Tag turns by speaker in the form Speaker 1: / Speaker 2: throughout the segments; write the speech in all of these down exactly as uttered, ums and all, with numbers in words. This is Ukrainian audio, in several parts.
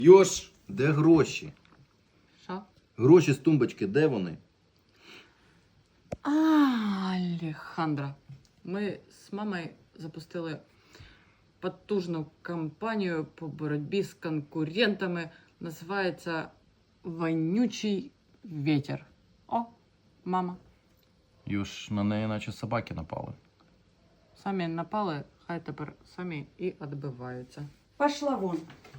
Speaker 1: Йош, де гроші?
Speaker 2: Що?
Speaker 1: Гроші з тумбочки, де вони?
Speaker 2: А, Алехандро. Ми з мамою запустили потужну кампанію по боротьбі з конкурентами. Називається «Вонючий ветер». О, мама.
Speaker 1: Йош, на неї наче собаки напали.
Speaker 2: Самі напали, хай тепер самі і відбиваються.
Speaker 3: Пошла вон.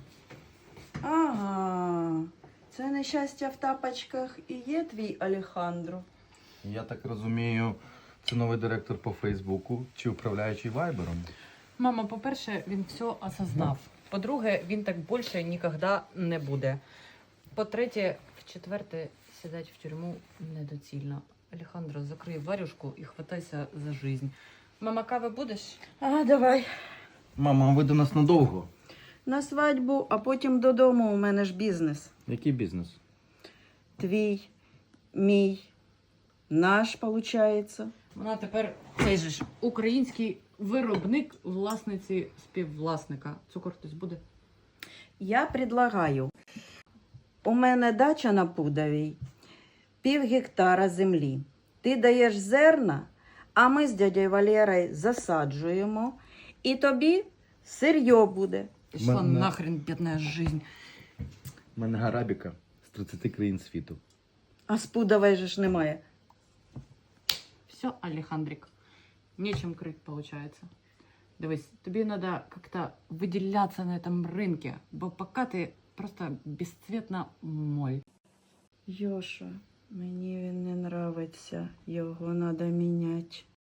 Speaker 3: Ага. Це нещастя в тапочках і є твій Алехандро.
Speaker 1: Я так розумію, це новий директор по Фейсбуку чи управляючий Вайбером?
Speaker 2: Мама, по-перше, він все осознав. По-друге, він так більше ніколи не буде. По-третє, в-четверте, сідати в тюрму недоцільно. Алехандро, закрий варюшку і хватайся за жизнь. Мама, кави будеш?
Speaker 3: А, давай.
Speaker 1: Мама, а ви до нас надовго?
Speaker 3: На свадьбу, а потім додому. У мене ж бізнес.
Speaker 1: Який бізнес?
Speaker 3: Твій, мій, наш, получається.
Speaker 2: Вона тепер цей же ж український виробник власниці співвласника. Цукор хтось буде?
Speaker 3: Я предлагаю. У мене дача на Пудовій, пів гектара землі. Ти даєш зерна, а ми з дядькою Валерою засаджуємо, і тобі сир'йо буде.
Speaker 2: Пішла
Speaker 1: Мене-
Speaker 2: нахрен бідна жизнь.
Speaker 1: У мене гарабіка з тридцяти країн світу.
Speaker 3: А з Пудової же ж немає.
Speaker 2: Все, Алехандрик, нечем крыть получается. Дивись, тобі треба как-то виділятися на цьому ринку, бо поки ти просто безцветна моль.
Speaker 3: Йоша, мені він не нравиться, його треба міняти.